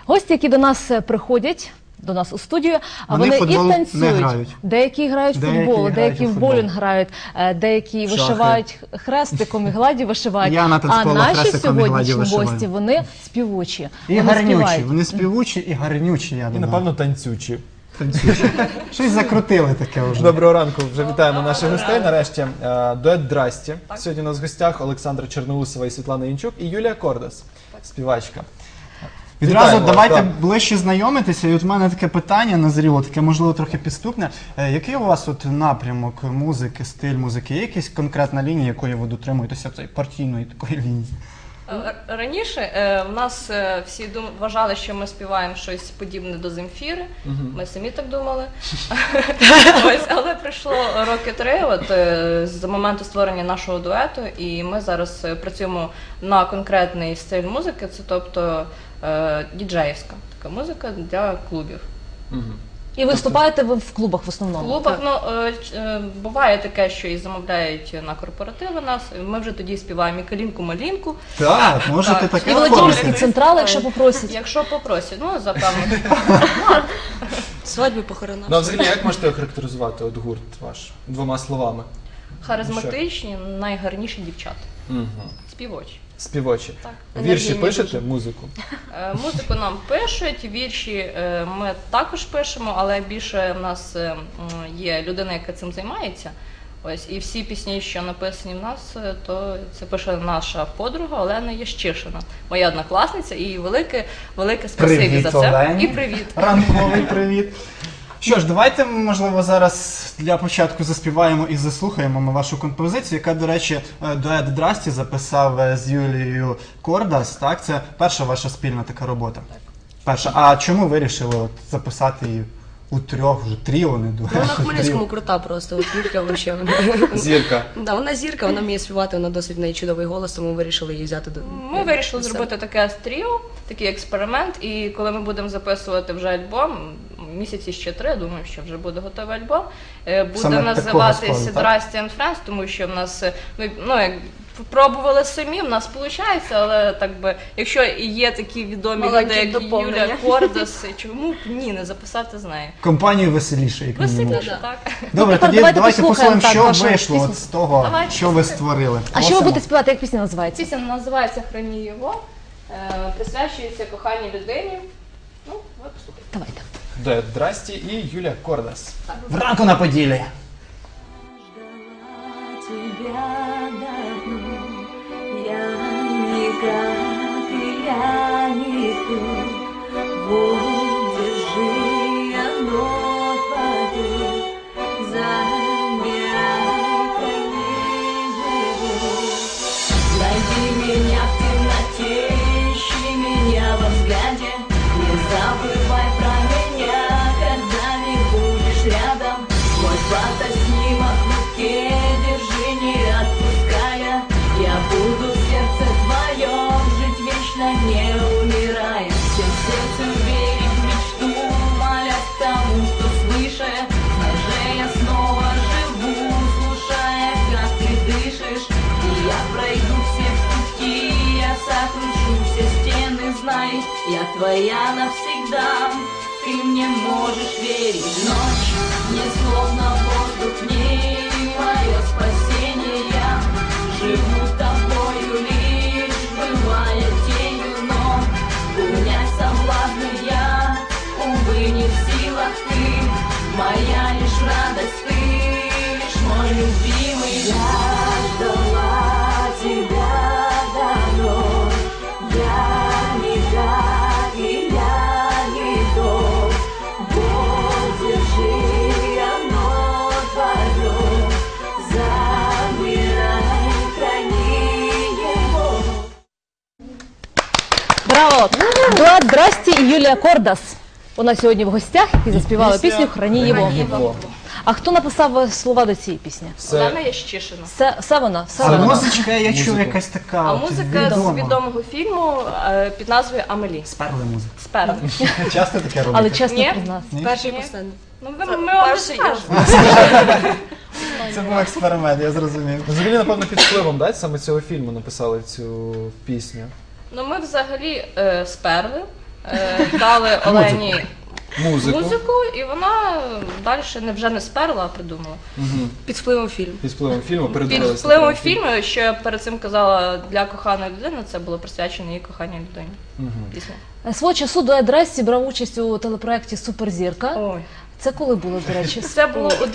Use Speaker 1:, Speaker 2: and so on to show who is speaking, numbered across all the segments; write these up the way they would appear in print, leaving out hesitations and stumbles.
Speaker 1: Гості, які до нас приходять, до нас у студію,
Speaker 2: Вони
Speaker 1: і
Speaker 2: футбол не
Speaker 1: танцюють.
Speaker 2: грають.
Speaker 1: Деякі грають в футбол, деякі в боулінг грають, деякі вишивають хрестиком і гладі вишивають.
Speaker 2: Я на
Speaker 1: А
Speaker 2: танцполу
Speaker 1: наші
Speaker 2: хрестиком і гладі
Speaker 1: сьогоднішні
Speaker 2: вишиваю.
Speaker 1: гості, вони співучі.
Speaker 2: І
Speaker 1: вони
Speaker 2: гарнючі.
Speaker 1: співають.
Speaker 2: Вони співучі і гарнючі, я
Speaker 3: І,
Speaker 2: думаю.
Speaker 3: напевно, танцючі.
Speaker 2: Танцюючі. Щось закрутили таке вже.
Speaker 3: Доброго ранку, вже вітаємо наших гостей. Нарешті дует «Здрасті». Сьогодні у нас в гостях Олександра Черноусова і Світлана Янчук і Юлія Кордас, співачка.
Speaker 2: Відразу
Speaker 3: Вітаємо,
Speaker 2: давайте
Speaker 3: так.
Speaker 2: ближче знайомитися. І от в мене таке питання назріло, таке, можливо, трохи підступне. Який у вас от напрямок музики, стиль музики? Є якась конкретна лінія, якої ви дотримуєтеся цієї партійної такої лінії?
Speaker 4: Раніше в нас всі вважали, що ми співаємо щось подібне до Земфіри. Ми самі так думали. Але пройшло роки 3 з моменту створення нашого дуету, і ми зараз працюємо на конкретний стиль музики, це тобто діджеївська така музика для клубів.
Speaker 1: І виступаєте ви в клубах в
Speaker 4: В
Speaker 1: основному?
Speaker 4: клубах буває таке, що і замовляють на корпоративи нас. Ми вже тоді співаємо і калінку-малінку.
Speaker 2: Так, можете
Speaker 4: Так.
Speaker 2: таке
Speaker 1: І Володимирський
Speaker 2: оформити.
Speaker 1: централ, якщо попросять.
Speaker 4: Якщо попросять, ну запевно.
Speaker 5: Свадьбу, похорона.
Speaker 3: Ну, а взагалі, як можете охарактеризувати от гурт ваш двома словами?
Speaker 4: Харизматичні, найгарніші дівчата. Співочі.
Speaker 3: Співочі.
Speaker 4: Так.
Speaker 3: Вірші
Speaker 5: Енергійні
Speaker 3: пишете,
Speaker 5: дуже.
Speaker 3: музику?
Speaker 4: Музику нам пишуть, вірші ми також пишемо, але більше в нас є людина, яка цим займається. Ось, і всі пісні, що написані в нас, то це пише наша подруга Олена Ящишина, моя однокласниця, і велике спасибі
Speaker 2: Привіт,
Speaker 4: за це.
Speaker 2: Олені.
Speaker 4: І привіт.
Speaker 2: Ранковий привіт. Що ж, давайте, можливо, зараз для початку заспіваємо і заслухаємо ми вашу композицію, яка, до речі, дует «Здрасті» записав з Юлією Кордас, так? Це перша ваша спільна така робота? Так. Перша. А чому вирішили от записати її у трьох, вже тріо, не дует?
Speaker 5: Ну, вона в Хмельницькому крута просто, от Юлька вообще.
Speaker 3: Зірка.
Speaker 5: Да, вона зірка, вона вміє співати, вона досить в неї чудовий голос, тому вирішили її взяти до...
Speaker 4: Ми вирішили зробити таке тріо, такий експеримент, і коли ми будемо записувати вже альбом, місяці ще 3, думаю, що вже буде готовий альбом, буде
Speaker 2: Саме такого
Speaker 4: називатися
Speaker 2: складу, так?
Speaker 4: «Здрасті and Friends», тому що в нас, як пробували самі, в нас виходить, але так би, якщо і є такі відомі люди,
Speaker 5: Маленьке
Speaker 4: як
Speaker 5: доповнення.
Speaker 4: Юля Кордас, чому б ні, не записати з нею?
Speaker 2: Компанію веселіше, як мінімум.
Speaker 4: Веселіше, так.
Speaker 2: Добре,
Speaker 1: Тепер
Speaker 2: тоді
Speaker 1: давайте
Speaker 2: давайте
Speaker 1: послухаємо,
Speaker 2: послухаємо,
Speaker 1: так,
Speaker 2: що
Speaker 1: вашу
Speaker 2: вийшло
Speaker 1: пісню.
Speaker 2: от з того,
Speaker 4: Давайте.
Speaker 2: що ви створили.
Speaker 1: А що ви
Speaker 2: Просимо.
Speaker 1: будете співати, як пісня називається?
Speaker 4: Пісня називається «Храні його», присвячується коханій людині. Ну, ви послухайте.
Speaker 1: Давайте.
Speaker 3: Дует «Здрасті» і Юлія Кордас.
Speaker 2: Вранку на Поділі.
Speaker 6: Тебя давно, я никак, я не тут. Вот держи оно твое, замирай, храни его. Найди меня в темноте, ищи меня во взгляде, не забывай про меня, когда не будешь рядом. Мой фотоснимок в руке, держи, не отпуская. Я буду в сердце твоем жить вечно, не умирая. Всем сердцем верить в мечту, молясь тому, что свыше. Даже я снова живу, слушая, как ты дышишь. И я пройду все пути, я сокручу все стены, знай, я твоя навсегда. Ты мне можешь верить. Ночь не словно воздух, в ней мое спасение. Я живу тобою лишь, бывая тенью, но унять соблазны я, увы, не в силах. Ты моя лишь радость, ты лишь мой любимый. Я ждала тебя давно, я никак, и я не тот. Вот держи оно твое, замирай, храни его.
Speaker 1: Браво! Дует «Здрасті» і Юлія Кордас. У нас сьогодні в гостях, які заспівали
Speaker 3: Пісня
Speaker 1: пісню «Храні його».
Speaker 3: «Його».
Speaker 1: А хто написав слова до цієї пісні?
Speaker 4: Олена Ящишина.
Speaker 1: Все вона? Все
Speaker 2: А
Speaker 1: вона?
Speaker 2: музичка, я чув, якась така
Speaker 4: А
Speaker 2: от
Speaker 4: музика з
Speaker 2: відома.
Speaker 4: відомого фільму під назвою «Амелі».
Speaker 2: Сперли музика.
Speaker 4: Сперли.
Speaker 2: Часто таке робите?
Speaker 1: Але чесно
Speaker 4: Ні.
Speaker 1: признатися.
Speaker 5: Перший і
Speaker 4: Ні.
Speaker 5: останній.
Speaker 4: Ну, ми вам
Speaker 5: перший і
Speaker 4: розкажемо.
Speaker 2: Це був експеримент, я зрозумів.
Speaker 3: Взагалі, напевно, під впливом, да, саме цього фільму написали цю пісню.
Speaker 4: Ну, ми взагалі сперли. дали Олені
Speaker 3: Музику.
Speaker 4: музику, і вона далі вже не сперла, а придумала.
Speaker 5: Під впливом фільму.
Speaker 3: Під впливом фільму
Speaker 4: Під
Speaker 3: передивилися.
Speaker 4: впливом фільму, що я перед цим казала для коханої людини, це було присвячено її коханій людині. Пісня.
Speaker 1: Свого часу дует Дресті брав участь у телепроєкті «Суперзірка».
Speaker 4: Ой.
Speaker 1: Це коли було, до речі?
Speaker 4: Це було у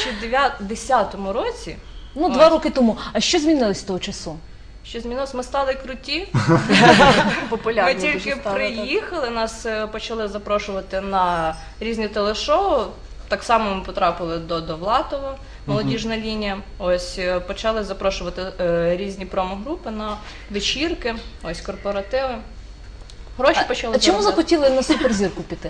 Speaker 4: 2010 році.
Speaker 1: Ну, 2 роки тому. А що змінилось з того часу?
Speaker 4: Що змінилось? Ми стали круті.
Speaker 5: Популярні
Speaker 4: Ми тільки
Speaker 5: дуже стали,
Speaker 4: приїхали, нас почали запрошувати на різні телешоу. Так само ми потрапили до Довлатова, молодіжна лінія. Ось почали запрошувати різні промо-групи на вечірки, ось корпоративи. Гроші почали
Speaker 1: А чому
Speaker 4: заробляти.
Speaker 1: захотіли на суперзірку піти?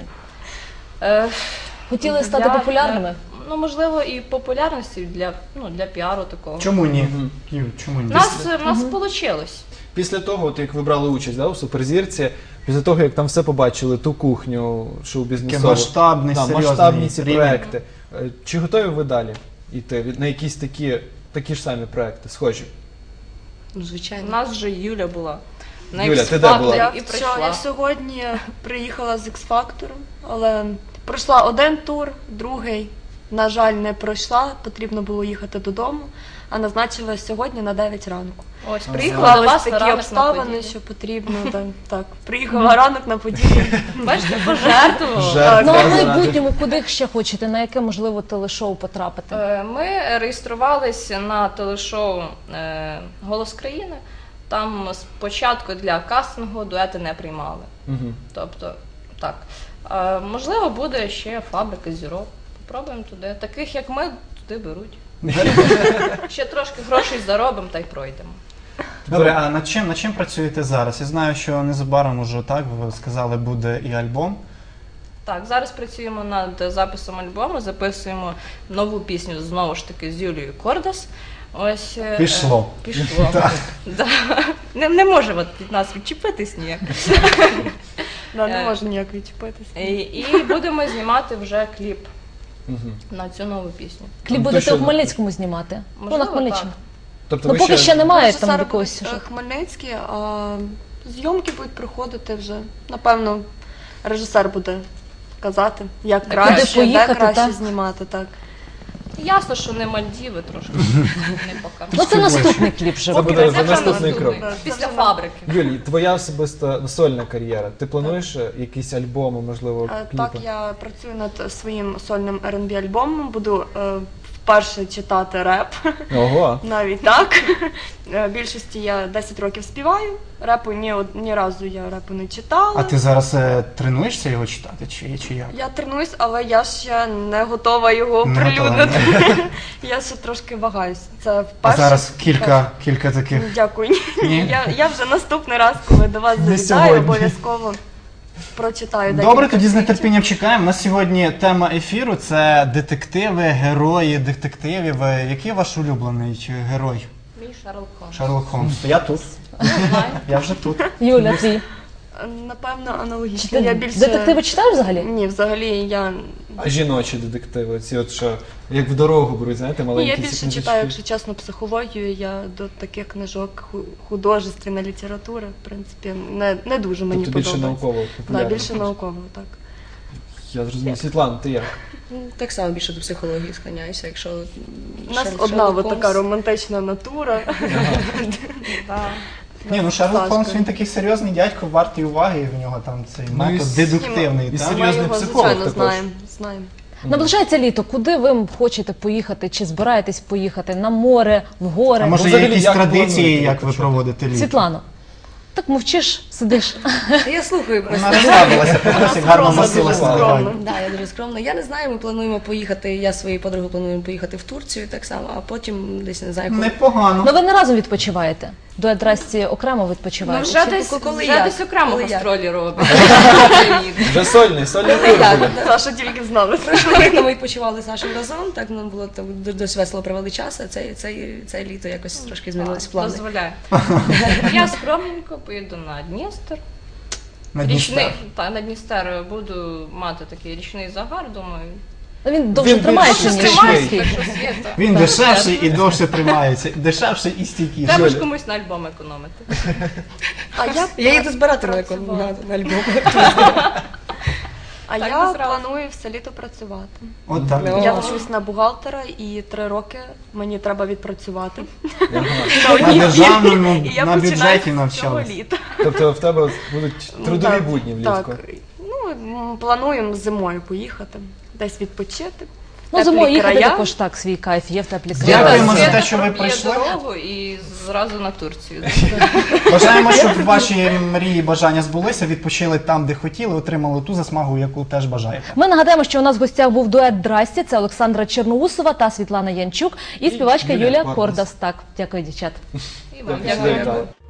Speaker 4: Е,
Speaker 1: Хотіли стати популярними?
Speaker 4: Ну, можливо, і популярності для піару такого.
Speaker 2: Чому ні? Юль, чому ні?
Speaker 4: У нас вийшло.
Speaker 3: Після того, от як ви брали участь у «Суперзірці», після того, як там все побачили, ту кухню шоу-бізнесову,
Speaker 2: Таке масштабний, серйозний
Speaker 3: масштабні ці
Speaker 2: рівень.
Speaker 3: проекти, чи готові ви далі йти на якісь такі ж самі проекти, схожі?
Speaker 5: Ну,
Speaker 4: У
Speaker 5: звичайно.
Speaker 4: нас вже Юля була. На
Speaker 3: Юля, ти де
Speaker 4: X-Factor
Speaker 3: була?
Speaker 4: і
Speaker 7: Я
Speaker 4: прийшла.
Speaker 7: сьогодні приїхала з X-Factor, але пройшла один тур, другий, на жаль, не пройшла, потрібно було їхати додому, а назначила сьогодні на 9 ранку.
Speaker 4: Ось, приїхала до вас
Speaker 7: Склались такі
Speaker 4: ранок на
Speaker 7: обставини,
Speaker 4: події.
Speaker 7: що потрібно, так, приїхала ранок на подію.
Speaker 4: Бачите, пожертвувала.
Speaker 3: Жертва
Speaker 1: Ну, а в
Speaker 3: заради.
Speaker 1: майбутньому куди ще хочете? На яке, можливо, телешоу потрапити?
Speaker 4: Ми реєструвалися на телешоу «Голос країни». Там спочатку для кастингу дуети не приймали.
Speaker 3: Мгм.
Speaker 4: Тобто, так. Можливо, буде ще фабрика зірок. Попробуємо туди. Таких, як ми, туди беруть. Ще трошки грошей заробимо та й пройдемо.
Speaker 2: Добре, а над чим працюєте зараз? Я знаю, що незабаром уже так, ви сказали, буде і альбом.
Speaker 4: Так, зараз працюємо над записом альбому, записуємо нову пісню знову ж таки з Юлією Кордас. Ось
Speaker 2: Пішло.
Speaker 4: Пішло. Да. Не може від нас відчепитись ніяк.
Speaker 7: Не можу ніяк відчепитися.
Speaker 4: І будемо знімати вже кліп
Speaker 3: Мгм.
Speaker 4: на цю нову пісню.
Speaker 1: Кліп
Speaker 3: то
Speaker 1: будете
Speaker 3: що?
Speaker 1: у Хмельницькому знімати? Ну, на
Speaker 4: Можливо,
Speaker 1: Хмельниччині.
Speaker 3: Тобто
Speaker 1: Ну,
Speaker 3: ви
Speaker 1: поки ще немає там
Speaker 7: Режисери
Speaker 1: якогось
Speaker 7: будуть,
Speaker 1: сюжету.
Speaker 7: Хмельницькі, а зйомки будуть проходити вже. Напевно, режисер буде казати, як
Speaker 4: Куди
Speaker 7: краще,
Speaker 1: поїхати,
Speaker 7: де краще
Speaker 1: так?
Speaker 7: знімати, так.
Speaker 4: Ясно, що не Мальдіви трошки не поки.
Speaker 1: Ну, це наступний кліп вже
Speaker 3: Це
Speaker 1: буде.
Speaker 3: буде
Speaker 4: Це вже
Speaker 3: наступний крок.
Speaker 4: Після фабрики.
Speaker 3: Юлій, твоя особиста сольна кар'єра. Ти плануєш якісь альбоми, можливо, кліпи?
Speaker 7: Так, я працюю над своїм сольним R&B альбомом, буду вперше читати реп,
Speaker 3: Ого.
Speaker 7: навіть так. Більшості я 10 років співаю, репу ні разу я репу не читала.
Speaker 2: А ти зараз тренуєшся його читати, чи як?
Speaker 7: Я тренуюсь, але я ще не готова його
Speaker 2: Не готова,
Speaker 7: оприлюднити. Я ще трошки вагаюсь. Це
Speaker 2: А
Speaker 7: вперше.
Speaker 2: зараз кілька таких.
Speaker 7: Дякую.
Speaker 2: Ні?
Speaker 7: Я вже наступний раз, коли до вас
Speaker 3: Не
Speaker 7: завітаю,
Speaker 3: сьогодні.
Speaker 7: обов'язково прочитаю.
Speaker 2: Добре,
Speaker 7: декілька
Speaker 2: тоді з
Speaker 7: твітів.
Speaker 2: нетерпінням чекаємо. У нас сьогодні тема ефіру це детективи, герої детективів. Який ваш улюблений герой?
Speaker 4: Мій Шерлок Холмс.
Speaker 2: Шерлок Холмс. Я тут.
Speaker 4: Знаю.
Speaker 2: Я вже тут.
Speaker 1: Юля, твій.
Speaker 7: Напевно, аналогічно.
Speaker 1: Ти
Speaker 7: Я більше...
Speaker 1: детективи читаєш взагалі?
Speaker 7: Ні, взагалі я...
Speaker 3: А жіночі детективи, ці от що, як в дорогу беруть, знаєте,
Speaker 7: Ні,
Speaker 3: маленькі
Speaker 7: я
Speaker 3: ці
Speaker 7: більше
Speaker 3: книжечки.
Speaker 7: читаю, якщо чесно, психологію. Я до таких книжок художественна література, в принципі, не дуже мені
Speaker 3: Тобто більше
Speaker 7: подобається.
Speaker 3: науково
Speaker 7: Да,
Speaker 3: популярно.
Speaker 7: більше науково, так.
Speaker 3: Я зрозумів. Світлана, ти як?
Speaker 5: Так само більше до психології склоняюся, якщо
Speaker 7: У нас
Speaker 5: Шерлок
Speaker 7: одна от така
Speaker 5: Холмс.
Speaker 7: романтична натура.
Speaker 2: Ні, ну Шерлок
Speaker 7: Сашка.
Speaker 2: Холмс, він такий серйозний дядько, вартий уваги, і в нього там цей
Speaker 3: Ну, і
Speaker 2: метод дедуктивний.
Speaker 3: і
Speaker 2: так?
Speaker 3: серйозний
Speaker 7: Ми його,
Speaker 3: психолог
Speaker 7: звичайно,
Speaker 3: також.
Speaker 7: знаємо.
Speaker 1: Наближається літо. Куди ви хочете поїхати? Чи збираєтесь поїхати? На море, в гори?
Speaker 2: А може є
Speaker 3: взагалі,
Speaker 2: якісь
Speaker 3: як
Speaker 2: традиції,
Speaker 3: плануєте
Speaker 2: як ви
Speaker 3: почати?
Speaker 2: проводите літо?
Speaker 1: Світлано, так мовчиш, сидиш.
Speaker 5: Я слухаю просто.
Speaker 2: Вона розслабилася, подивися, гарно
Speaker 7: скромна,
Speaker 2: носилася
Speaker 7: дуже
Speaker 2: на
Speaker 7: скромна.
Speaker 2: дивані.
Speaker 5: Да, я дуже скромна. Я не знаю, ми плануємо поїхати, я зі своєю подругою плануємо поїхати в Турцію так само, а потім десь не знаю, коли.
Speaker 2: Непогано.
Speaker 1: Ну ви не разом відпочиваєте? Дует Драсті окремо відпочиваєте?
Speaker 4: Вже
Speaker 5: Чи
Speaker 4: десь,
Speaker 5: коли
Speaker 4: вже
Speaker 5: як?
Speaker 4: десь окремо
Speaker 5: Коли як?
Speaker 4: гастролі робить.
Speaker 3: Вже сольний тур
Speaker 5: як?
Speaker 3: буде.
Speaker 7: Саша тільки знали.
Speaker 5: Прошлого літа ми відпочивали з нашим разом, так нам було так, досить весело провели час, а це літо якось трошки змінились плани.
Speaker 4: Дозволяю. Я скромненько поїду на Дністер.
Speaker 2: На Дністер.
Speaker 4: На Дністер буду мати такий річний загар, думаю.
Speaker 1: Він довше
Speaker 3: Він
Speaker 1: тримається,
Speaker 3: більш
Speaker 1: ніж
Speaker 3: стійкий.
Speaker 1: міський.
Speaker 4: Так що Свєта,
Speaker 2: Він дешевший і довше тримається. Дешевший і стійкіший.
Speaker 4: треба ж комусь на альбом економити.
Speaker 7: А
Speaker 5: Я їду збирати на альбом.
Speaker 7: А
Speaker 4: Так
Speaker 7: я
Speaker 4: би зразу.
Speaker 7: планую все літо працювати.
Speaker 2: От так.
Speaker 7: Я вчусь на бухгалтера і 3 роки мені треба відпрацювати.
Speaker 2: На державному,
Speaker 7: І я
Speaker 2: на
Speaker 7: починаю
Speaker 2: бюджеті
Speaker 7: з цього
Speaker 2: навчалися.
Speaker 7: літа.
Speaker 3: Тобто в тебе будуть трудові
Speaker 7: Так,
Speaker 3: будні влітку.
Speaker 7: Так. Ну, плануємо зимою поїхати, десь відпочити.
Speaker 1: Ну, зимою
Speaker 7: Теплі
Speaker 1: їхати
Speaker 7: края.
Speaker 1: також так, свій кайф є в теплі
Speaker 2: Дякуємо
Speaker 1: краї.
Speaker 2: за
Speaker 4: Свєта
Speaker 2: те, що ви
Speaker 4: проб'є
Speaker 2: прийшли.
Speaker 4: дорогу і зразу на Турцію.
Speaker 2: Бажаємо, щоб ваші мрії і бажання збулися, відпочили там, де хотіли, отримали ту засмагу, яку теж бажаєте.
Speaker 1: Ми нагадаємо, що у нас в гостях був дует «Здрасті». Це Олександра Черноусова та Світлана Янчук і співачка
Speaker 3: Юлія
Speaker 1: Юлія
Speaker 3: Кордас.
Speaker 1: Кордас. Так, дякую, дівчат.
Speaker 4: І вам
Speaker 3: Дякую, що
Speaker 4: дякую.
Speaker 3: завітали.